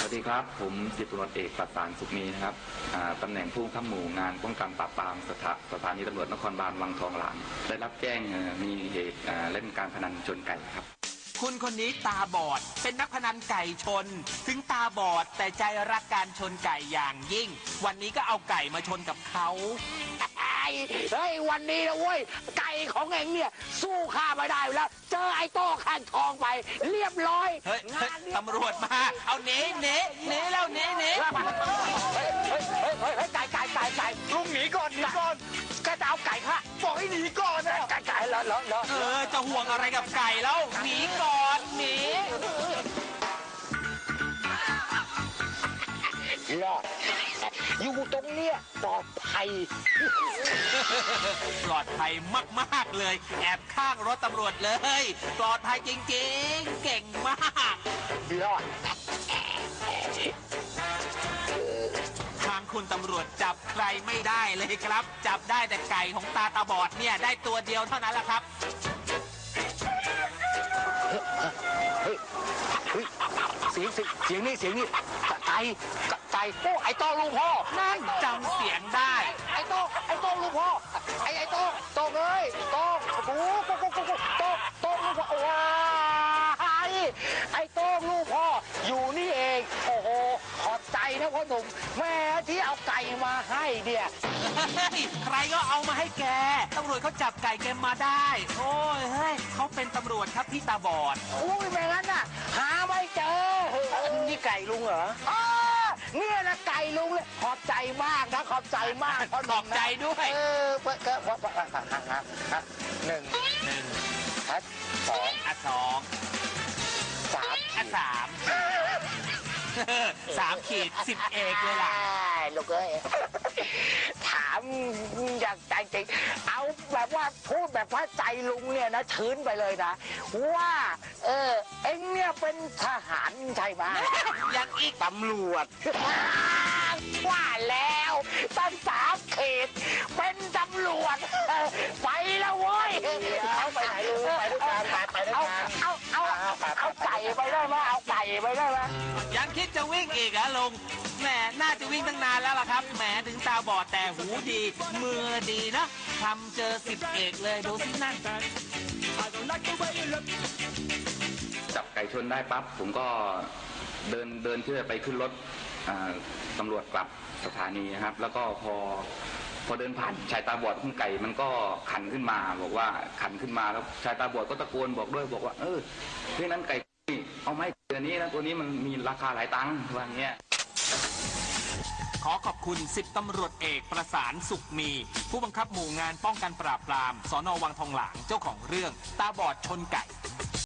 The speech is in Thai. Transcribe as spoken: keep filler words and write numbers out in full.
วัสดีครับผมสิบตำรวจเอกประสานสุขมีนะครับตำแหน่งผู้บังคับหมู่งานป้องกันปราบปรามสถาสถานีตำรวจนครบาลวังทองหลางได้รับแจ้งมีเหตุเล่นการพนันชนไก่ครับคุณคนนี้ตาบอดเป็นนักพนันไก่ชนถึงตาบอดแต่ใจรักการชนไก่อย่างยิ่งวันนี้ก็เอาไก่มาชนกับเขาเฮ้ยวันนี้นะเว้ยไก่ของเองเนี่ยสู้ข้าไม่ได้แล้วเจอไอ้โต้ข้างทองไปเรียบร้อยเฮ้ยตำรวจมาเอาหนีหนีหนีแล้วหนีหนีเฮ้ยเฮ้ยเฮ้ยเฮ้ยไก่ไก่ไก่ไก่ลุงหนีก่อนหนีก่อนแกจะเอาไก่ค่ะบอกให้หนีก่อนนะไก่ไก่แล้วแล้วแล้วเออจะห่วงอะไรกับไก่แล้วหนีก่อนหนีรอดอยู่ตรงเนี้ยปลอดภัยปลอดภัยมากๆเลยแอบข้างรถตำรวจเลยปลอดภัยจริงๆเก่งมากรอดทางคุณตำรวจจับใครไม่ได้เลยครับจับได้แต่ไก่ของตาตาบอดเนี่ยได้ตัวเดียวเท่านั้นแหละครับเฮ้ยเฮ้ยเสียงเสียงนี่เสียงนี่ไก่ไก่โอ้ไอ้โต้ลูกพ่อนั่นจำเสียงได้ไอ้โต้ไอ้โต้ลูกพ่อไอ้ไอ้โต้โต้เลยโต้โอ้โหโต้โต้โต้โต้ลูกพ่อว้าไอ้โต้ลูกพ่ออยู่นี่เองโอ้โหขอบใจนะพ่อหนุ่มแม่ที่เอาไก่มาให้เนี่ยใครก็เอามาให้แกตำรวจเขาจับไก่แกมาได้โอ้ยเฮ้ยเขาเป็นตำรวจครับพี่ตาบอดอุ้ยไม่งั้นน่ะหาไม่เจอนี่ไก่ลุงเหรออ๋อเนี่ยนะไก่ลุงเลยขอบใจมากนะขอบใจมากขอบใจด้วยเออเปิดก็หนึ่งหนึ่งอัดสองอัดสองสามอัดสามสามขีดสิบเอกเลยล่ะลูกเอ้ยถามอย่างใจจริงเอาแบบว่าพูดแบบว่าใจลุงเนี่ยนะชื้นไปเลยนะว่าเออเอ็งเนี่ยเป็นทหารใช่ไหมยังอีกตำรวจว่าแล้วตั้งสามเขตเป็นตำรวจไปแล้วเว้ยเอาไปไหนลุงไปด้วยกันไปไปด้วยกันเอาเอาเอาไก่ไปได้ไหมเอาไก่ไปได้ไหมยังคิดจะวิ่งอีกเหรอลุงแหมน่าจะวิ่งตั้งนานแล้วล่ะครับแหมถึงตาบอดแต่หูดีมือดีนะทำเจอสิบเอกเลยดูสินั่นจับไก่ชนได้ปั๊บผมก็เดินเดินเพื่อไปขึ้นรถตำรวจกลับสถานีนะครับแล้วก็พอพอเดินผ่านชายตาบอดของไก่มันก็ขันขึ้นมาบอกว่าขันขึ้นมาแล้วชายตาบอดก็ตะโกนบอกด้วยบอกว่าเออเฮ้ยนั้นไก่เอาไหมตัวนี้นะตัวนี้มันมีราคาหลายตังค์ว่าอย่างเงี้ยขอขอบคุณสิบตำรวจเอกประสานสุขมีผู้บังคับหมู่งานป้องกันปราบปรามสน.วังทองหลางเจ้าของเรื่องตาบอดชนไก่